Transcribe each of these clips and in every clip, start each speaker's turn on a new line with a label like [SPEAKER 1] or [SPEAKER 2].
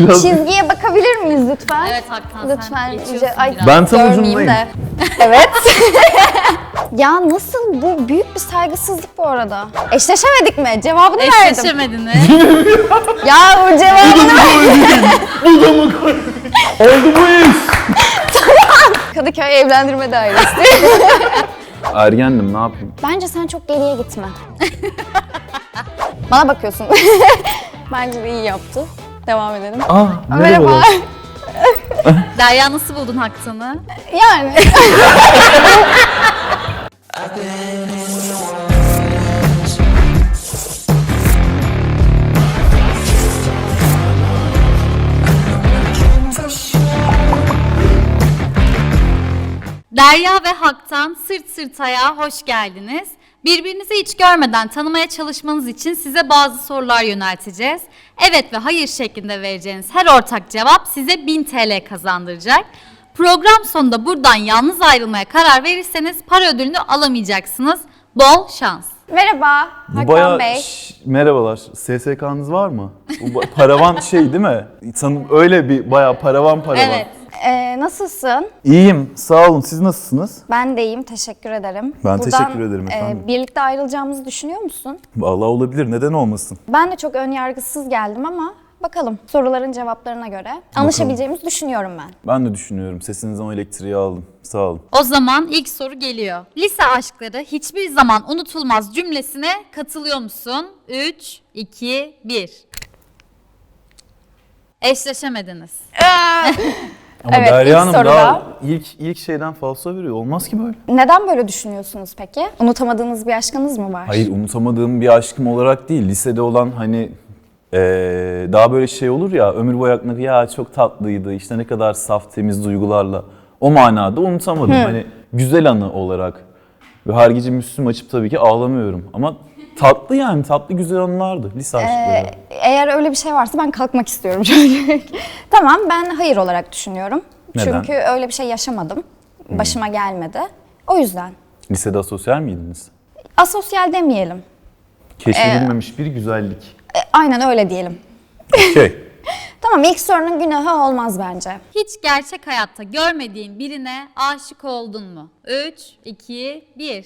[SPEAKER 1] Çizgiye bakabilir miyiz lütfen?
[SPEAKER 2] Evet Hakan,
[SPEAKER 1] Lütfen.
[SPEAKER 2] sen geçiyorsun
[SPEAKER 1] Ay,
[SPEAKER 2] biraz.
[SPEAKER 3] Ben tam
[SPEAKER 1] görmeyeyim
[SPEAKER 3] ucundayım.
[SPEAKER 1] de. Evet. Ya nasıl, bu büyük bir saygısızlık bu arada. Eşleşemedik mi? Cevabını verdim.
[SPEAKER 2] Eşleşemediniz.
[SPEAKER 1] Ya o cevabını
[SPEAKER 3] Bu da mı koy? Oldu bu iş.
[SPEAKER 1] Kadıköy Evlendirme Dairesi.
[SPEAKER 3] Ergendim, ne yapayım?
[SPEAKER 1] Bence sen çok geriye gitme. Bana bakıyorsun. Bence de iyi yaptı. Devam edelim.
[SPEAKER 3] Merhaba.
[SPEAKER 2] Derya, nasıl buldun Haktan'ı?
[SPEAKER 1] Yani.
[SPEAKER 2] Derya ve Haktan Sırt Sırta'ya hoş geldiniz. Birbirinizi hiç görmeden tanımaya çalışmanız için size bazı sorular yönelteceğiz. Evet ve hayır şeklinde vereceğiniz her ortak cevap size 1000 TL kazandıracak. Program sonunda buradan yalnız ayrılmaya karar verirseniz para ödülünü alamayacaksınız. Bol şans.
[SPEAKER 1] Merhaba
[SPEAKER 3] Bu
[SPEAKER 1] Hakan
[SPEAKER 3] bayağı...
[SPEAKER 1] Bey.
[SPEAKER 3] Merhabalar. SSK'nız var mı? Bu paravan şey değil mi? Sanırım öyle bir bayağı paravan.
[SPEAKER 2] Evet.
[SPEAKER 1] Nasılsın?
[SPEAKER 3] İyiyim. Sağ olun. Siz nasılsınız?
[SPEAKER 1] Ben de iyiyim, teşekkür ederim.
[SPEAKER 3] Ben teşekkür ederim efendim.
[SPEAKER 1] Birlikte ayrılacağımızı düşünüyor musun?
[SPEAKER 3] Vallahi olabilir. Neden olmasın?
[SPEAKER 1] Ben de çok önyargısız geldim ama bakalım, soruların cevaplarına göre anlaşabileceğimizi düşünüyorum ben.
[SPEAKER 3] Ben de düşünüyorum. Sesinizden o elektriği aldım. Sağ olun.
[SPEAKER 2] O zaman ilk soru geliyor. Lise aşkları hiçbir zaman unutulmaz cümlesine katılıyor musun? 3, 2, 1. Eşleşemediniz.
[SPEAKER 3] Ama
[SPEAKER 1] Evet,
[SPEAKER 3] Derya
[SPEAKER 1] ilk
[SPEAKER 3] Hanım
[SPEAKER 1] soruda-
[SPEAKER 3] daha ilk şeyden falso veriyor. Olmaz ki böyle.
[SPEAKER 1] Neden böyle düşünüyorsunuz peki? Unutamadığınız bir aşkınız mı var?
[SPEAKER 3] Hayır, unutamadığım bir aşkım olarak değil. Lisede olan hani daha böyle şey olur ya, ömür boyu aklına ya çok tatlıydı, işte ne kadar saf temiz duygularla. O manada unutamadım. Hani güzel anı olarak. Ve her gece Müslüm açıp tabii ki ağlamıyorum. Ama tatlı, yani tatlı güzel anılardı lise aşkları.
[SPEAKER 1] Eğer öyle bir şey varsa ben kalkmak istiyorum çocuk. Tamam, ben hayır olarak düşünüyorum.
[SPEAKER 3] Neden?
[SPEAKER 1] Çünkü öyle bir şey yaşamadım. Başıma gelmedi. O yüzden.
[SPEAKER 3] Lisede asosyal miydiniz?
[SPEAKER 1] Asosyal demeyelim.
[SPEAKER 3] Keşfedilmemiş bir güzellik.
[SPEAKER 1] Aynen öyle diyelim.
[SPEAKER 3] Şey,
[SPEAKER 1] Tamam, ilk sorunun günahı olmaz bence.
[SPEAKER 2] Hiç gerçek hayatta görmediğin birine aşık oldun mu? 3, 2, 1.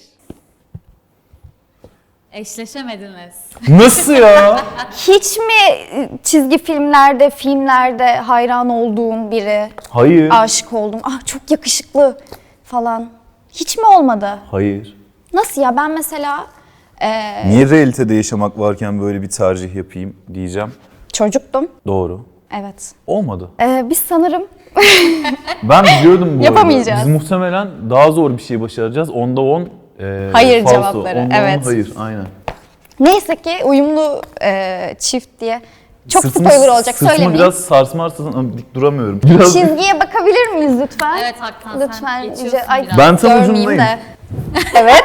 [SPEAKER 2] Eşleşemediniz.
[SPEAKER 3] nasıl ya?
[SPEAKER 1] Hiç mi çizgi filmlerde hayran olduğun biri,
[SPEAKER 3] Hayır.
[SPEAKER 1] aşık oldun, ah çok yakışıklı falan, hiç mi olmadı?
[SPEAKER 3] Hayır.
[SPEAKER 1] Nasıl ya? Ben mesela
[SPEAKER 3] Niye realitede yaşamak varken böyle bir tercih yapayım diyeceğim.
[SPEAKER 1] çocuktum.
[SPEAKER 3] Doğru.
[SPEAKER 1] Evet.
[SPEAKER 3] Olmadı.
[SPEAKER 1] Biz sanırım
[SPEAKER 3] Ben biliyordum bu
[SPEAKER 1] Yapamayacağız.
[SPEAKER 3] arada. Biz muhtemelen daha zor bir şey başaracağız. Onda 10
[SPEAKER 1] Hayır
[SPEAKER 3] falso.
[SPEAKER 1] cevapları,
[SPEAKER 3] Onda 10
[SPEAKER 1] evet.
[SPEAKER 3] hayır, aynen.
[SPEAKER 1] neyse ki uyumlu çift diye çok
[SPEAKER 3] Sırtımı-
[SPEAKER 1] spoiler olacak,
[SPEAKER 3] sırtımı
[SPEAKER 1] söylemeyeyim.
[SPEAKER 3] biraz sarsmarsan dik duramıyorum. Biraz
[SPEAKER 1] Çizgiye bakabilir miyiz lütfen?
[SPEAKER 2] Evet Hakan,
[SPEAKER 1] Lütfen.
[SPEAKER 2] sen geçiyorsun
[SPEAKER 1] Ay,
[SPEAKER 2] biraz.
[SPEAKER 3] Ben tam
[SPEAKER 1] görmeyeyim
[SPEAKER 3] ucundayım.
[SPEAKER 1] de. Evet.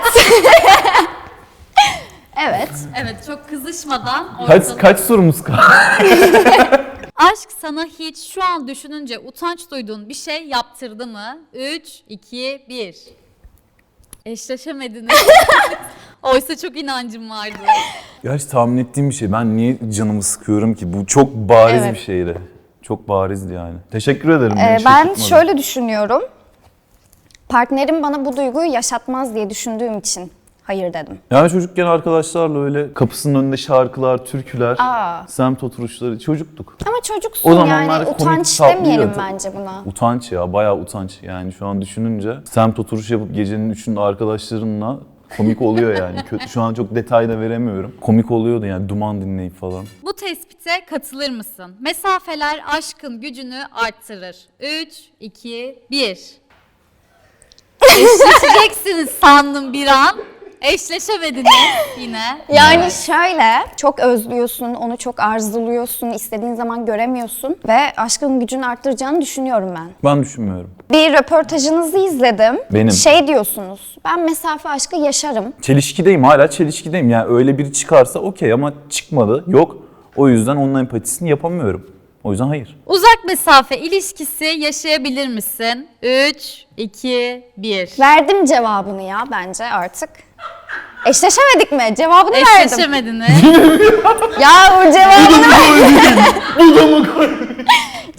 [SPEAKER 1] Evet.
[SPEAKER 2] Evet, çok kızışmadan
[SPEAKER 3] kaç sorumuz kaldı?
[SPEAKER 2] Aşk sana hiç şu an düşününce utanç duyduğun bir şey yaptırdı mı? 3, 2, 1. Eşleşemediniz. Oysa çok inancım vardı.
[SPEAKER 3] Gerçi tahmin ettiğim bir şey. Ben niye canımı sıkıyorum ki? Bu çok bariz
[SPEAKER 1] Evet.
[SPEAKER 3] bir şeydi. Çok barizdi yani. Teşekkür ederim. beni
[SPEAKER 1] Ben
[SPEAKER 3] şaşırtmadın.
[SPEAKER 1] şöyle düşünüyorum. Partnerim bana bu duyguyu yaşatmaz diye düşündüğüm için hayır dedim.
[SPEAKER 3] Yani çocukken arkadaşlarla öyle kapısının önünde şarkılar, türküler,
[SPEAKER 1] Aa.
[SPEAKER 3] semt oturuşları çocuktuk.
[SPEAKER 1] Ama çocuksun
[SPEAKER 3] O zamanlar
[SPEAKER 1] yani,
[SPEAKER 3] komik,
[SPEAKER 1] utanç
[SPEAKER 3] tatlıydı.
[SPEAKER 1] demeyelim bence buna.
[SPEAKER 3] Utanç ya, bayağı utanç. Yani şu an düşününce semt oturuş yapıp gecenin 3'ünde arkadaşlarınla komik oluyor yani. Kötü, şu an çok detay da veremiyorum. Komik oluyordu yani, duman dinleyip falan.
[SPEAKER 2] Bu tespite katılır mısın? Mesafeler aşkın gücünü arttırır. 3, 2, 1. Eşleşeceksiniz sandım bir an. Eşleşemediniz yine.
[SPEAKER 1] Yani şöyle, çok özlüyorsun, onu çok arzuluyorsun, istediğin zaman göremiyorsun ve aşkın gücünü arttıracağını düşünüyorum ben.
[SPEAKER 3] Ben düşünmüyorum.
[SPEAKER 1] Bir röportajınızı izledim.
[SPEAKER 3] Benim.
[SPEAKER 1] Şey diyorsunuz, ben mesafe aşkı yaşarım.
[SPEAKER 3] Çelişkideyim, hala çelişkideyim. Yani öyle biri çıkarsa okey ama çıkmadı, yok. O yüzden onun empatisini yapamıyorum. O yüzden hayır.
[SPEAKER 2] Uzak mesafe ilişkisi yaşayabilir misin? 3, 2, 1.
[SPEAKER 1] Verdim cevabını ya bence artık. Eşleşemedik mi? Cevabını verdim.
[SPEAKER 2] Eşleşemediniz.
[SPEAKER 1] Ya o cevabını
[SPEAKER 3] Bu da mı koy?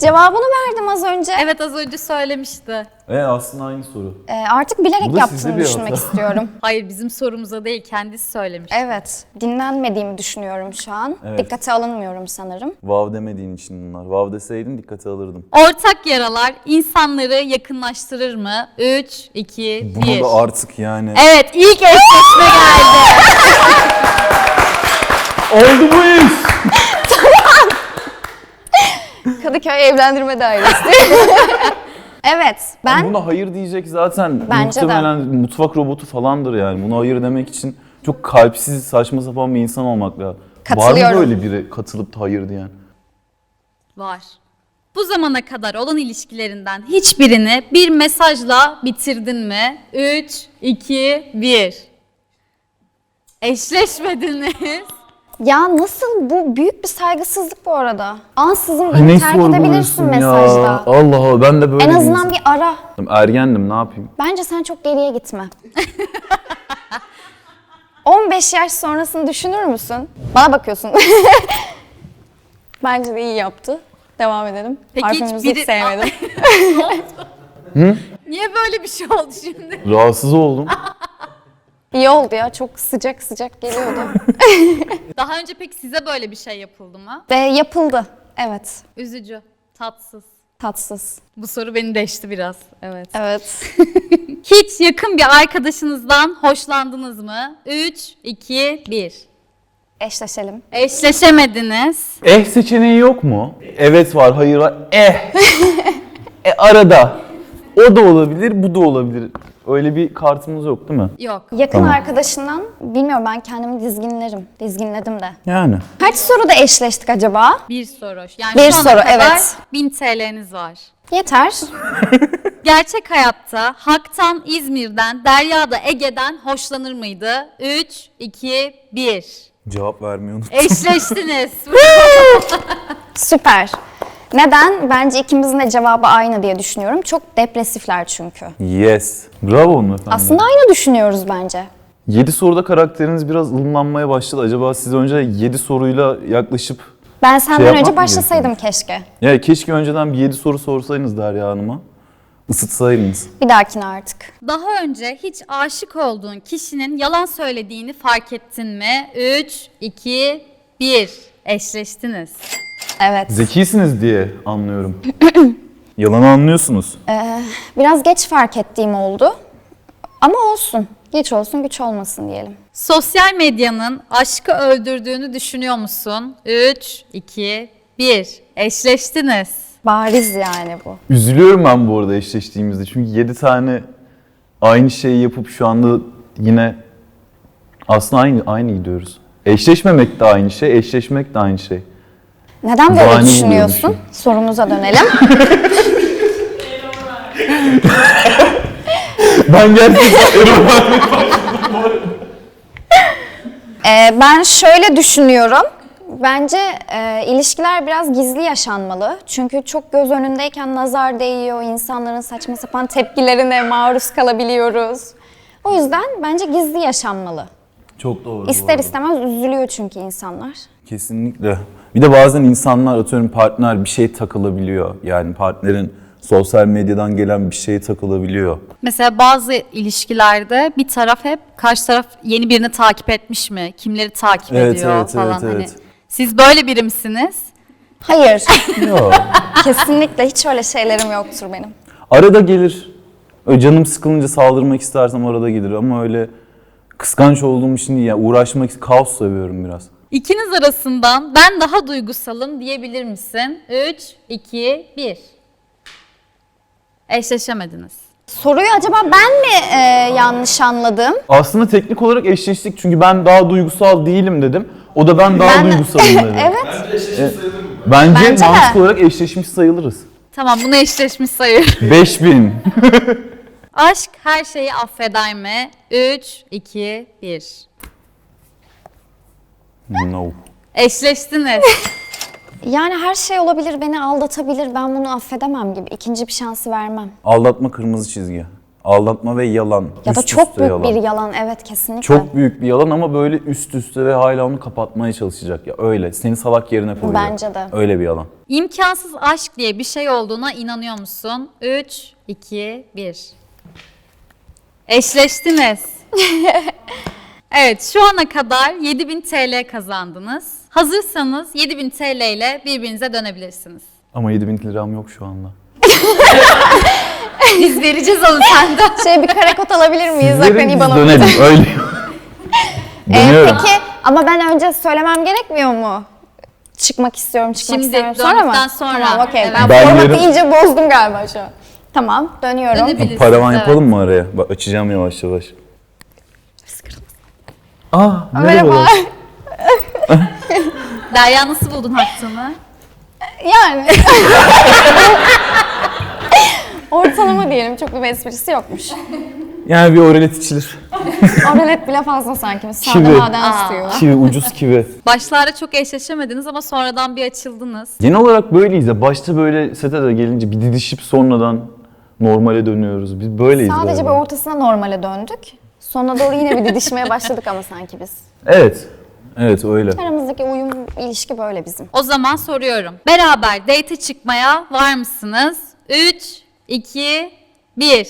[SPEAKER 1] Cevabını verdim az önce.
[SPEAKER 2] Evet, az önce söylemişti.
[SPEAKER 3] Aslında aynı soru.
[SPEAKER 1] Artık bilerek
[SPEAKER 3] Bu da
[SPEAKER 1] yaptığını
[SPEAKER 3] sizde bir
[SPEAKER 1] düşünmek
[SPEAKER 3] hata.
[SPEAKER 1] istiyorum.
[SPEAKER 2] Hayır, bizim sorumuza değil, kendisi söylemiş.
[SPEAKER 1] Evet, dinlenmediğimi düşünüyorum şu an.
[SPEAKER 3] Evet.
[SPEAKER 1] Dikkate alınmıyorum sanırım.
[SPEAKER 3] Vav demediğin için bunlar. Vav deseydin dikkate alırdım.
[SPEAKER 2] Ortak yaralar insanları yakınlaştırır mı? 3, 2, 1.
[SPEAKER 3] Bunu da artık yani.
[SPEAKER 2] Evet, ilk eşleşme geldi.
[SPEAKER 3] Oldu bu iş.
[SPEAKER 1] Kadıköy Evlendirme Dairesi. Evet, ben
[SPEAKER 3] Buna hayır diyecek zaten
[SPEAKER 1] Bence de.
[SPEAKER 3] muhtemelen mutfak robotu falandır yani. Buna hayır demek için çok kalpsiz, saçma sapan bir insan olmak lazım. Var mı
[SPEAKER 1] Katılıyorum.
[SPEAKER 3] böyle biri katılıp da hayır diyen?
[SPEAKER 2] Var. Bu zamana kadar olan ilişkilerinden hiçbirini bir mesajla bitirdin mi? 3, 2, 1. Eşleşmediniz.
[SPEAKER 1] ya nasıl, bu büyük bir saygısızlık bu arada. Ansızın
[SPEAKER 3] Ay,
[SPEAKER 1] beni
[SPEAKER 3] ne
[SPEAKER 1] terk edebilirsin
[SPEAKER 3] sorguluyorsun ya?
[SPEAKER 1] mesajda.
[SPEAKER 3] Allah Allah, ben de böyle
[SPEAKER 1] En
[SPEAKER 3] bir
[SPEAKER 1] azından
[SPEAKER 3] insan-
[SPEAKER 1] bir ara.
[SPEAKER 3] Ergendim, ne yapayım?
[SPEAKER 1] Bence sen çok geriye gitme. 15 yaş sonrasını düşünür müsün? Bana bakıyorsun. Bence de iyi yaptı. Devam edelim.
[SPEAKER 2] Peki hiç
[SPEAKER 1] Parfümümüzü
[SPEAKER 2] biri-
[SPEAKER 1] hiç sevmedim.
[SPEAKER 2] Niye böyle bir şey oldu şimdi?
[SPEAKER 3] Rahatsız oldum.
[SPEAKER 1] İyi oldu ya. Çok sıcak sıcak geliyordu.
[SPEAKER 2] Daha önce peki size böyle bir şey yapıldı mı?
[SPEAKER 1] Ve yapıldı. Evet.
[SPEAKER 2] Üzücü, tatsız.
[SPEAKER 1] Tatsız.
[SPEAKER 2] Bu soru beni deşti biraz. Evet.
[SPEAKER 1] Evet.
[SPEAKER 2] Hiç yakın bir arkadaşınızdan hoşlandınız mı? 3, 2, 1.
[SPEAKER 1] Eşleşelim.
[SPEAKER 2] Eşleşemediniz.
[SPEAKER 3] Seçeneği yok mu? Evet var, hayır var. Arada. O da olabilir, bu da olabilir. Öyle bir kartımız yok değil mi?
[SPEAKER 2] Yok.
[SPEAKER 1] Yakın
[SPEAKER 3] Tamam.
[SPEAKER 1] arkadaşından bilmiyorum, ben kendimi dizginlerim. Dizginledim de.
[SPEAKER 3] Yani.
[SPEAKER 1] Kaç soruda eşleştik acaba?
[SPEAKER 2] Bir soru. Yani
[SPEAKER 1] Bir
[SPEAKER 2] şu ana
[SPEAKER 1] soru,
[SPEAKER 2] kadar
[SPEAKER 1] evet.
[SPEAKER 2] 1000 TL'niz var.
[SPEAKER 1] Yeter.
[SPEAKER 2] Gerçek hayatta Hak'tan İzmir'den, Derya da Ege'den hoşlanır mıydı? 3, 2, 1.
[SPEAKER 3] Cevap vermiyor.
[SPEAKER 2] Eşleştiniz.
[SPEAKER 1] Süper. Neden? Bence ikimizin de cevabı aynı diye düşünüyorum. Çok depresifler çünkü.
[SPEAKER 3] Yes. Bravo hanımefendi.
[SPEAKER 1] Aslında aynı düşünüyoruz bence.
[SPEAKER 3] 7 soruda karakteriniz biraz ılımlanmaya başladı. Acaba siz önce 7 soruyla yaklaşıp...
[SPEAKER 1] Ben senden
[SPEAKER 3] yapmak
[SPEAKER 1] önce
[SPEAKER 3] mı
[SPEAKER 1] başlasaydım keşke.
[SPEAKER 3] Ya keşke önceden bir 7 soru sorsaydınız Derya Hanım'a. Isıtsaydınız.
[SPEAKER 1] Bir dahakine artık.
[SPEAKER 2] Daha önce hiç aşık olduğun kişinin yalan söylediğini fark ettin mi? 3, 2, 1. Eşleştiniz.
[SPEAKER 1] Evet.
[SPEAKER 3] Zekisiniz diye anlıyorum. Yalanı anlıyorsunuz.
[SPEAKER 1] Biraz geç fark ettiğim oldu. Ama olsun. Geç olsun, güç olmasın diyelim.
[SPEAKER 2] Sosyal medyanın aşkı öldürdüğünü düşünüyor musun? 3, 2, 1. Eşleştiniz.
[SPEAKER 1] Bariz yani bu.
[SPEAKER 3] Üzülüyorum ben bu arada eşleştiğimizde. Çünkü 7 tane aynı şeyi yapıp şu anda yine aslında aynı gidiyoruz. Eşleşmemek de aynı şey, eşleşmek de aynı şey.
[SPEAKER 1] Neden böyle
[SPEAKER 3] Bahane
[SPEAKER 1] düşünüyorsun?
[SPEAKER 3] buluyormuşum.
[SPEAKER 1] Sorumuza dönelim.
[SPEAKER 3] Ben gerçekten
[SPEAKER 1] Ben şöyle düşünüyorum. Bence ilişkiler biraz gizli yaşanmalı. Çünkü çok göz önündeyken nazar değiyor, insanların saçma sapan tepkilerine maruz kalabiliyoruz. O yüzden bence gizli yaşanmalı.
[SPEAKER 3] Çok doğru. bu
[SPEAKER 1] İster
[SPEAKER 3] arada.
[SPEAKER 1] istemez üzülüyor çünkü insanlar.
[SPEAKER 3] Kesinlikle. Bir de bazen insanlar, atıyorum partner bir şey takılabiliyor. Yani partnerin sosyal medyadan gelen bir şeye takılabiliyor.
[SPEAKER 2] Mesela bazı ilişkilerde bir taraf hep karşı taraf yeni birini takip etmiş mi? Kimleri takip
[SPEAKER 3] Evet,
[SPEAKER 2] ediyor
[SPEAKER 3] evet,
[SPEAKER 2] falan.
[SPEAKER 3] evet,
[SPEAKER 2] Hani
[SPEAKER 3] evet.
[SPEAKER 2] siz böyle biri misiniz?
[SPEAKER 1] Hayır,
[SPEAKER 3] Yok.
[SPEAKER 1] kesinlikle hiç öyle şeylerim yoktur benim.
[SPEAKER 3] Arada gelir. Öyle canım sıkılınca saldırmak istersem arada gelir ama öyle kıskanç olduğum için değil. Yani uğraşmak, kaos seviyorum biraz.
[SPEAKER 2] İkiniz arasından ben daha duygusalım diyebilir misin? 3, 2, 1. Eşleşemediniz.
[SPEAKER 1] Soruyu acaba ben mi yanlış anladım?
[SPEAKER 3] Aslında teknik olarak eşleştik çünkü ben daha duygusal değilim dedim. O da ben daha
[SPEAKER 1] Ben-
[SPEAKER 3] duygusalım dedi.
[SPEAKER 1] Evet.
[SPEAKER 3] Bence
[SPEAKER 1] Bence de.
[SPEAKER 3] mantık olarak eşleşmiş sayılırız.
[SPEAKER 2] Tamam, bunu eşleşmiş sayır.
[SPEAKER 3] 5000.
[SPEAKER 2] Aşk her şeyi affeder mi? 3, 2, 1.
[SPEAKER 3] No.
[SPEAKER 2] Eşleştiniz.
[SPEAKER 1] Yani her şey olabilir, beni aldatabilir, ben bunu affedemem gibi. İkinci bir şansı vermem.
[SPEAKER 3] Aldatma kırmızı çizgi. Aldatma ve yalan.
[SPEAKER 1] Ya da
[SPEAKER 3] Üst
[SPEAKER 1] çok
[SPEAKER 3] üste
[SPEAKER 1] büyük
[SPEAKER 3] yalan.
[SPEAKER 1] bir yalan, evet kesinlikle.
[SPEAKER 3] Çok büyük bir yalan ama böyle üst üste ve hala onu kapatmaya çalışacak. Ya öyle. Seni salak yerine koyacak.
[SPEAKER 1] Bence de.
[SPEAKER 3] Öyle bir yalan.
[SPEAKER 2] İmkansız aşk diye bir şey olduğuna inanıyor musun? 3, 2, 1. Eşleştiniz. Evet, şu ana kadar 7000 TL kazandınız. Hazırsanız 7000 TL ile birbirinize dönebilirsiniz.
[SPEAKER 3] Ama 7000 liram yok şu anda.
[SPEAKER 2] Biz vereceğiz onu senden.
[SPEAKER 1] Bir karekot alabilir miyiz?
[SPEAKER 3] Sizlerin
[SPEAKER 1] Bakın
[SPEAKER 3] biz
[SPEAKER 1] İBAN'a.
[SPEAKER 3] dönelim. Öyle. Dönüyorum.
[SPEAKER 1] Peki ama ben önce söylemem gerekmiyor mu? Çıkmak istiyorum, çıkmak
[SPEAKER 2] Şimdi
[SPEAKER 1] istemiyorum. Sonra mı?
[SPEAKER 2] döndükten sonra.
[SPEAKER 1] Tamam, okey.
[SPEAKER 2] Evet.
[SPEAKER 1] Ben
[SPEAKER 3] Ben
[SPEAKER 1] formatı
[SPEAKER 3] yarın-
[SPEAKER 1] iyice bozdum galiba şu an. Tamam, dönüyorum.
[SPEAKER 2] Dönebiliriz.
[SPEAKER 3] Paravan
[SPEAKER 2] Evet.
[SPEAKER 3] yapalım mı araya? Bak açacağım yavaş yavaş.
[SPEAKER 1] Merhaba.
[SPEAKER 3] merhaba.
[SPEAKER 2] Derya nasıl buldun Haktan'ı?
[SPEAKER 1] Yani. Ortalama diyelim, çok bir esprisi yokmuş.
[SPEAKER 3] Yani bir oralet içilir.
[SPEAKER 1] Oralet bile fazla sanki. Sade
[SPEAKER 3] Kivi.
[SPEAKER 1] maden suyu.
[SPEAKER 3] Kivi, ucuz kivi.
[SPEAKER 2] Başlarda çok eşleşemediniz ama sonradan bir açıldınız.
[SPEAKER 3] Genel olarak böyleyiz ya. Başta böyle sete de gelince bir didişip sonradan normale dönüyoruz. Biz böyleyiz
[SPEAKER 1] Sadece bir
[SPEAKER 3] galiba.
[SPEAKER 1] ortasına normale döndük. Sonuna doğru yine bir didişmeye başladık ama sanki biz.
[SPEAKER 3] Evet. Evet öyle.
[SPEAKER 1] Aramızdaki uyum, ilişki böyle bizim.
[SPEAKER 2] O zaman soruyorum. Beraber date çıkmaya var mısınız? 3, 2, 1.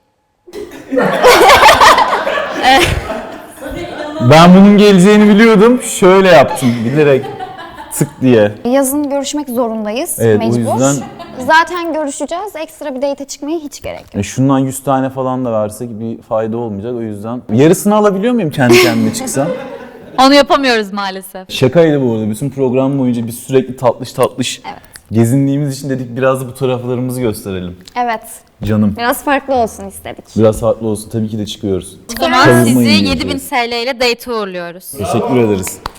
[SPEAKER 3] Ben bunun geleceğini biliyordum. Şöyle yaptım bilerek tık diye.
[SPEAKER 1] Yazın görüşmek zorundayız,
[SPEAKER 3] Evet, o
[SPEAKER 1] mecbur.
[SPEAKER 3] yüzden-
[SPEAKER 1] Zaten görüşeceğiz, ekstra bir date çıkmaya hiç gerek yok.
[SPEAKER 3] Şundan 100 tane falan da versek bir fayda olmayacak o yüzden. Yarısını alabiliyor muyum kendi kendime çıksam?
[SPEAKER 2] Onu yapamıyoruz maalesef.
[SPEAKER 3] Şakaydı bu arada. Bütün program boyunca biz sürekli tatlış gezindiğimiz için dedik biraz da bu taraflarımızı gösterelim.
[SPEAKER 1] Evet,
[SPEAKER 3] Canım.
[SPEAKER 1] biraz farklı olsun istedik.
[SPEAKER 3] Biraz farklı olsun. Tabii ki de çıkıyoruz.
[SPEAKER 2] O zaman
[SPEAKER 3] Savunma
[SPEAKER 2] sizi
[SPEAKER 3] yiyeceğiz.
[SPEAKER 2] 7000 TL ile date uğurluyoruz.
[SPEAKER 3] Teşekkür ederiz.